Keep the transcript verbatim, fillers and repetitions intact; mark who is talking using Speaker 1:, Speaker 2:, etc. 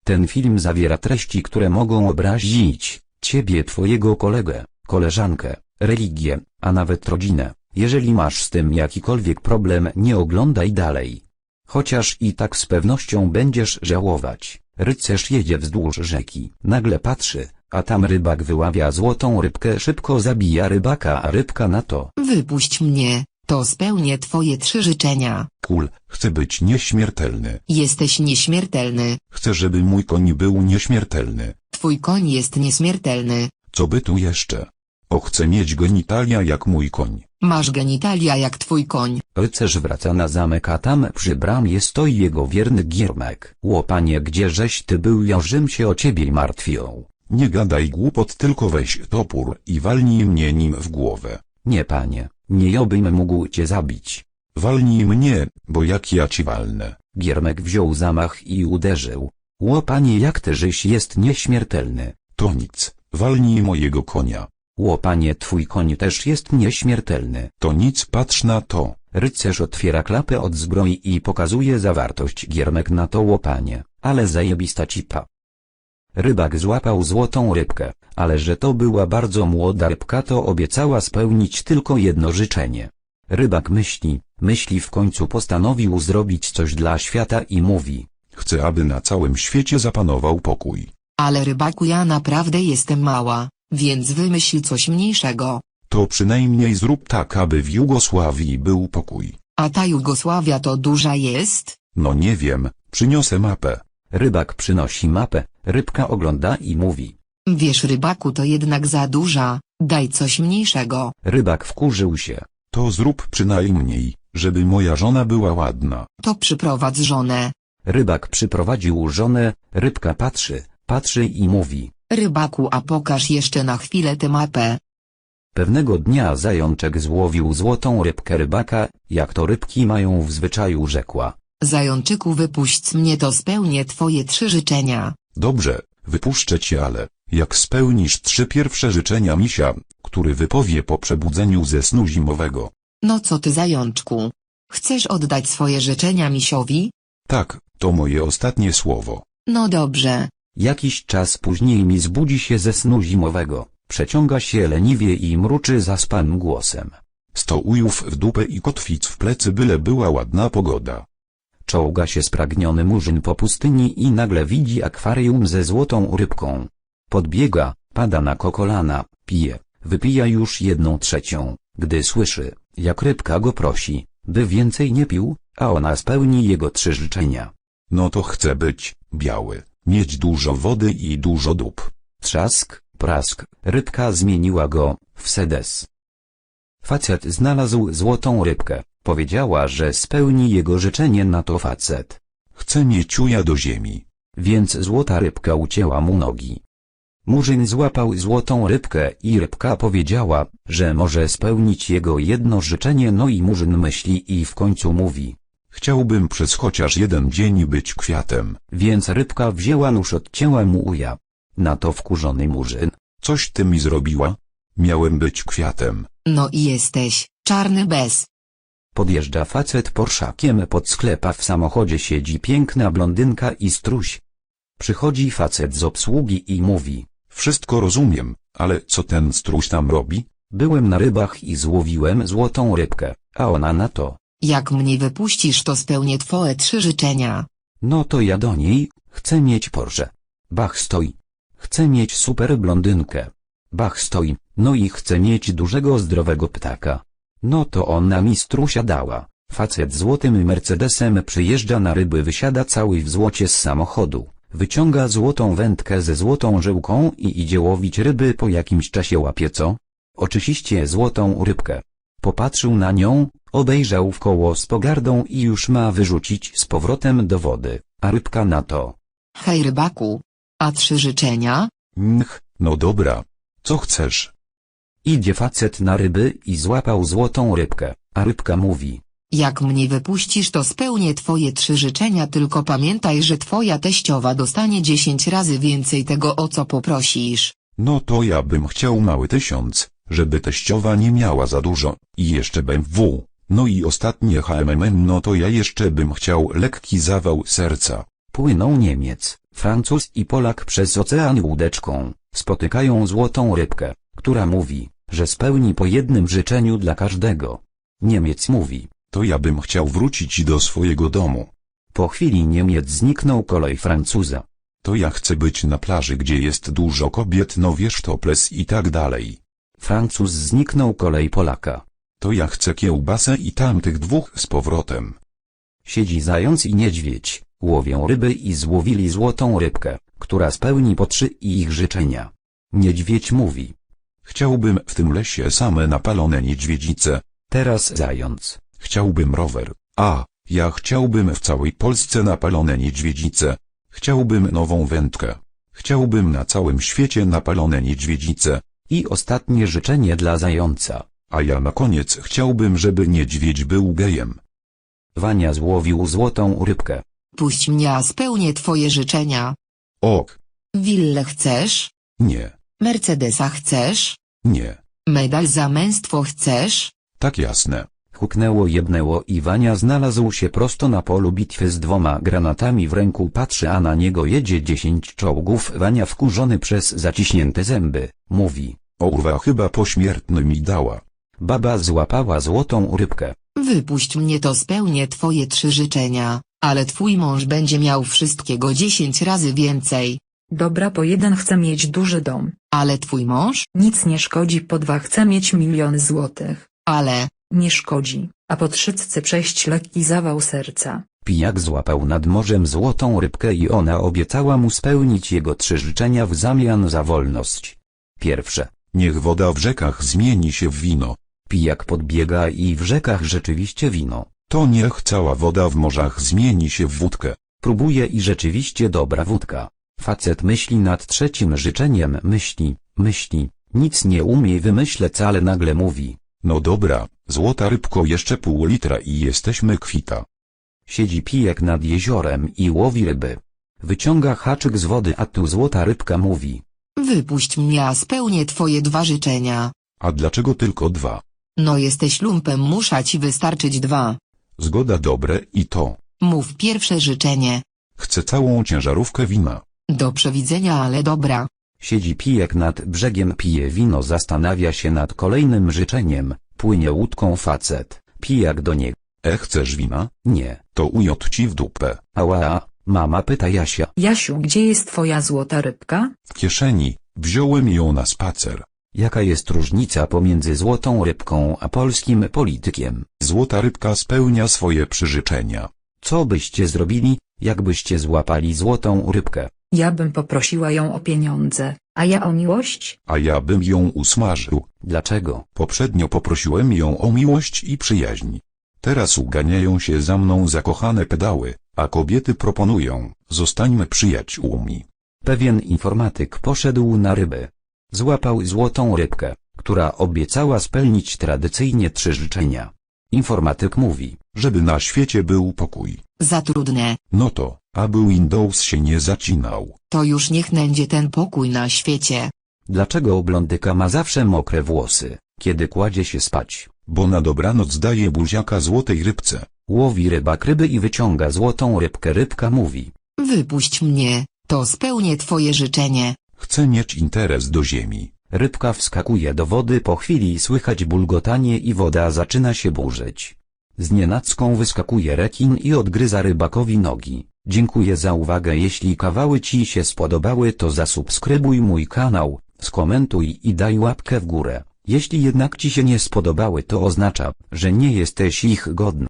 Speaker 1: Ten film zawiera treści, które mogą obrazić ciebie, twojego kolegę, koleżankę, religię, a nawet rodzinę. Jeżeli masz z tym jakikolwiek problem, nie oglądaj dalej. Chociaż i tak z pewnością będziesz żałować. Rycerz jedzie wzdłuż rzeki. Nagle patrzy, a tam rybak wyławia złotą rybkę, szybko zabija rybaka, a rybka na to:
Speaker 2: Wypuść mnie, to spełnię twoje trzy życzenia.
Speaker 3: Kul, chcę być nieśmiertelny.
Speaker 2: Jesteś nieśmiertelny.
Speaker 3: Chcę, żeby mój koń był nieśmiertelny.
Speaker 2: Twój koń jest nieśmiertelny.
Speaker 3: Co by tu jeszcze? O, chcę mieć genitalia jak mój koń.
Speaker 2: Masz genitalia jak twój koń.
Speaker 1: Rycerz wraca na zamek, a tam przy bramie stoi jego wierny Giermek. Ło panie, gdzieżeś ty był, ja Rzym się o ciebie martwią.
Speaker 3: Nie gadaj głupot, tylko weź topór i walnij mnie nim w głowę.
Speaker 1: Nie panie, nie jobym mógł cię zabić.
Speaker 3: Walnij mnie, bo jak ja ci walnę.
Speaker 1: Giermek wziął zamach i uderzył. Ło panie, jak ty żyś jest nieśmiertelny.
Speaker 3: To nic, walnij mojego konia.
Speaker 1: Ło panie, twój koń też jest nieśmiertelny.
Speaker 3: To nic, patrz na to.
Speaker 1: Rycerz otwiera klapę od zbroi i pokazuje zawartość. Giermek na to: ło panie, ale zajebista cipa. Rybak złapał złotą rybkę, ale że to była bardzo młoda rybka, to obiecała spełnić tylko jedno życzenie. Rybak myśli, myśli w końcu postanowił zrobić coś dla świata i mówi:
Speaker 3: Chcę, aby na całym świecie zapanował pokój.
Speaker 2: Ale rybaku, ja naprawdę jestem mała, więc wymyśl coś mniejszego.
Speaker 3: To przynajmniej zrób tak, aby w Jugosławii był pokój.
Speaker 2: A ta Jugosławia to duża jest?
Speaker 3: No nie wiem, przyniosę mapę.
Speaker 1: Rybak przynosi mapę, rybka ogląda i mówi:
Speaker 2: Wiesz rybaku, to jednak za duża, daj coś mniejszego.
Speaker 1: Rybak wkurzył się.
Speaker 3: To zrób przynajmniej, żeby moja żona była ładna.
Speaker 2: To przyprowadź żonę.
Speaker 1: Rybak przyprowadził żonę, rybka patrzy, patrzy i mówi:
Speaker 2: Rybaku, a pokaż jeszcze na chwilę tę mapę.
Speaker 1: Pewnego dnia zajączek złowił złotą rybkę rybaka, jak to rybki mają w zwyczaju, rzekła:
Speaker 2: Zajączyku, wypuść mnie, to spełnię twoje trzy życzenia.
Speaker 3: Dobrze, wypuszczę cię, ale jak spełnisz trzy pierwsze życzenia misia, który wypowie po przebudzeniu ze snu zimowego.
Speaker 2: No co ty, zajączku? Chcesz oddać swoje życzenia misiowi?
Speaker 3: Tak, to moje ostatnie słowo.
Speaker 2: No dobrze.
Speaker 1: Jakiś czas później mis budzi się ze snu zimowego, przeciąga się leniwie i mruczy zaspanym głosem:
Speaker 3: Sto ujów w dupę i kotwic w plecy, byle była ładna pogoda.
Speaker 1: Czołga się spragniony murzyn po pustyni i nagle widzi akwarium ze złotą rybką. Podbiega, pada na kolana, pije, wypija już jedną trzecią, gdy słyszy, jak rybka go prosi, by więcej nie pił, a ona spełni jego trzy życzenia.
Speaker 3: No to chcę być biały, mieć dużo wody i dużo dup.
Speaker 1: Trzask, prask, rybka zmieniła go w sedes. Facet znalazł złotą rybkę, powiedziała, że spełni jego życzenie, na to facet:
Speaker 3: Chcę mieć uja do ziemi.
Speaker 1: Więc złota rybka ucięła mu nogi. Murzyn złapał złotą rybkę i rybka powiedziała, że może spełnić jego jedno życzenie. No i murzyn myśli i w końcu mówi:
Speaker 3: Chciałbym przez chociaż jeden dzień być kwiatem.
Speaker 1: Więc rybka wzięła nóż, odcięła mu uja. Na to wkurzony murzyn:
Speaker 3: Coś ty mi zrobiła? Miałem być kwiatem.
Speaker 2: No i jesteś czarny bez.
Speaker 1: Podjeżdża facet Porszakiem pod sklep, a w samochodzie siedzi piękna blondynka i struś. Przychodzi facet z obsługi i mówi:
Speaker 3: Wszystko rozumiem, ale co ten struś tam robi?
Speaker 1: Byłem na rybach i złowiłem złotą rybkę, a ona na to:
Speaker 2: Jak mnie wypuścisz, to spełnię twoje trzy życzenia.
Speaker 1: No to ja do niej: Chcę mieć Porsche. Bach stoi. Chcę mieć super blondynkę. Bach stoi. No i chcę mieć dużego zdrowego ptaka. No to ona mi strusia dała. Facet złotym Mercedesem przyjeżdża na ryby, wysiada cały w złocie z samochodu, wyciąga złotą wędkę ze złotą żyłką i idzie łowić ryby. Po jakimś czasie łapie co? Oczywiście złotą rybkę. Popatrzył na nią, obejrzał wkoło z pogardą i już ma wyrzucić z powrotem do wody, a rybka na to:
Speaker 2: Hej rybaku, a trzy życzenia?
Speaker 3: Nch, no dobra. Co chcesz?
Speaker 1: Idzie facet na ryby i złapał złotą rybkę, a rybka mówi:
Speaker 2: Jak mnie wypuścisz, to spełnię twoje trzy życzenia, tylko pamiętaj, że twoja teściowa dostanie dziesięć razy więcej tego, o co poprosisz.
Speaker 3: No to ja bym chciał mały tysiąc, żeby teściowa nie miała za dużo, i jeszcze B M W, no i ostatnie H M M, no to ja jeszcze bym chciał lekki zawał serca.
Speaker 1: Płynął Niemiec, Francuz i Polak przez ocean łódeczką spotykają złotą rybkę, która mówi, że spełni po jednym życzeniu dla każdego. Niemiec mówi:
Speaker 3: To ja bym chciał wrócić do swojego domu.
Speaker 1: Po chwili Niemiec zniknął, kolej Francuza:
Speaker 3: To ja chcę być na plaży, gdzie jest dużo kobiet, no wiesz, topless i tak dalej.
Speaker 1: Francuz zniknął, kolej Polaka:
Speaker 3: To ja chcę kiełbasę i tamtych dwóch z powrotem.
Speaker 1: Siedzi zając i niedźwiedź, łowią ryby i złowili złotą rybkę, która spełni po trzy ich życzenia. Niedźwiedź mówi:
Speaker 3: Chciałbym w tym lesie same napalone niedźwiedzice.
Speaker 1: Teraz zając:
Speaker 3: Chciałbym rower. A, ja chciałbym w całej Polsce napalone niedźwiedzice. Chciałbym nową wędkę. Chciałbym na całym świecie napalone niedźwiedzice.
Speaker 1: I ostatnie życzenie dla zająca:
Speaker 3: A ja na koniec chciałbym, żeby niedźwiedź był gejem.
Speaker 1: Wania złowił złotą rybkę.
Speaker 2: Puść mnie, a spełnię twoje życzenia.
Speaker 3: Ok.
Speaker 2: Willę chcesz?
Speaker 3: Nie.
Speaker 2: Mercedesa chcesz?
Speaker 3: Nie.
Speaker 2: Medal za męstwo chcesz?
Speaker 3: Tak jasne.
Speaker 1: Huknęło, jebnęło i Wania znalazł się prosto na polu bitwy z dwoma granatami w ręku. Patrzy, a na niego jedzie dziesięć czołgów. Wania, wkurzony przez zaciśnięte zęby, mówi:
Speaker 3: Urwa chyba pośmiertny mi dała.
Speaker 1: Baba złapała złotą rybkę.
Speaker 2: Wypuść mnie, to spełnię twoje trzy życzenia, ale twój mąż będzie miał wszystkiego dziesięć razy więcej.
Speaker 4: Dobra, po jeden chcę mieć duży dom.
Speaker 2: Ale twój mąż?
Speaker 4: Nic nie szkodzi, po dwa chcę mieć miliony złotych.
Speaker 2: Ale...
Speaker 4: Nie szkodzi, a po trzy chcę przejść lekki zawał serca.
Speaker 1: Pijak złapał nad morzem złotą rybkę i ona obiecała mu spełnić jego trzy życzenia w zamian za wolność. Pierwsze:
Speaker 3: Niech woda w rzekach zmieni się w wino.
Speaker 1: Pijak podbiega i w rzekach rzeczywiście wino.
Speaker 3: To niech cała woda w morzach zmieni się w wódkę.
Speaker 1: Próbuje i rzeczywiście dobra wódka. Facet myśli nad trzecim życzeniem, myśli, myśli, nic nie umie wymyśleć, ale nagle mówi:
Speaker 3: No dobra, złota rybko, jeszcze pół litra i jesteśmy kwita.
Speaker 1: Siedzi pijak nad jeziorem i łowi ryby. Wyciąga haczyk z wody, a tu złota rybka mówi:
Speaker 2: Wypuść mnie, a spełnię twoje dwa życzenia.
Speaker 3: A dlaczego tylko dwa?
Speaker 2: No jesteś lumpem, muszę ci wystarczyć dwa.
Speaker 3: Zgoda, dobre i to.
Speaker 2: Mów pierwsze życzenie.
Speaker 3: Chcę całą ciężarówkę wina.
Speaker 2: Do przewidzenia, ale dobra.
Speaker 1: Siedzi pijak nad brzegiem, pije wino, zastanawia się nad kolejnym życzeniem. Płynie łódką facet. Pijak do niego:
Speaker 3: E, chcesz wina?
Speaker 1: Nie.
Speaker 3: To ujot ci w dupę.
Speaker 1: Ała, mama, pyta Jasia.
Speaker 4: Jasiu, gdzie jest twoja złota rybka?
Speaker 3: W kieszeni, wziąłem ją na spacer.
Speaker 1: Jaka jest różnica pomiędzy złotą rybką a polskim politykiem?
Speaker 3: Złota rybka spełnia swoje przyrzeczenia.
Speaker 1: Co byście zrobili, jakbyście złapali złotą rybkę?
Speaker 4: Ja bym poprosiła ją o pieniądze, a ja o miłość?
Speaker 3: A ja bym ją usmażył.
Speaker 1: Dlaczego?
Speaker 3: Poprzednio poprosiłem ją o miłość i przyjaźń. Teraz uganiają się za mną zakochane pedały, a kobiety proponują: zostańmy przyjaciółmi.
Speaker 1: Pewien informatyk poszedł na ryby. Złapał złotą rybkę, która obiecała spełnić tradycyjnie trzy życzenia. Informatyk mówi:
Speaker 3: Żeby na świecie był pokój.
Speaker 2: Za trudne.
Speaker 3: No to, aby Windows się nie zacinał.
Speaker 2: To już niech będzie ten pokój na świecie.
Speaker 1: Dlaczego blondyka ma zawsze mokre włosy, kiedy kładzie się spać?
Speaker 3: Bo na dobranoc daje buziaka złotej rybce.
Speaker 1: Łowi rybak ryby i wyciąga złotą rybkę. Rybka mówi:
Speaker 2: Wypuść mnie, to spełnię twoje życzenie.
Speaker 3: Chcę mieć interes do ziemi.
Speaker 1: Rybka wskakuje do wody, po chwili słychać bulgotanie i woda zaczyna się burzyć. Znienacką wyskakuje rekin i odgryza rybakowi nogi. Dziękuję za uwagę. Jeśli kawały ci się spodobały, to zasubskrybuj mój kanał, skomentuj i daj łapkę w górę. Jeśli jednak ci się nie spodobały, to oznacza, że nie jesteś ich godny.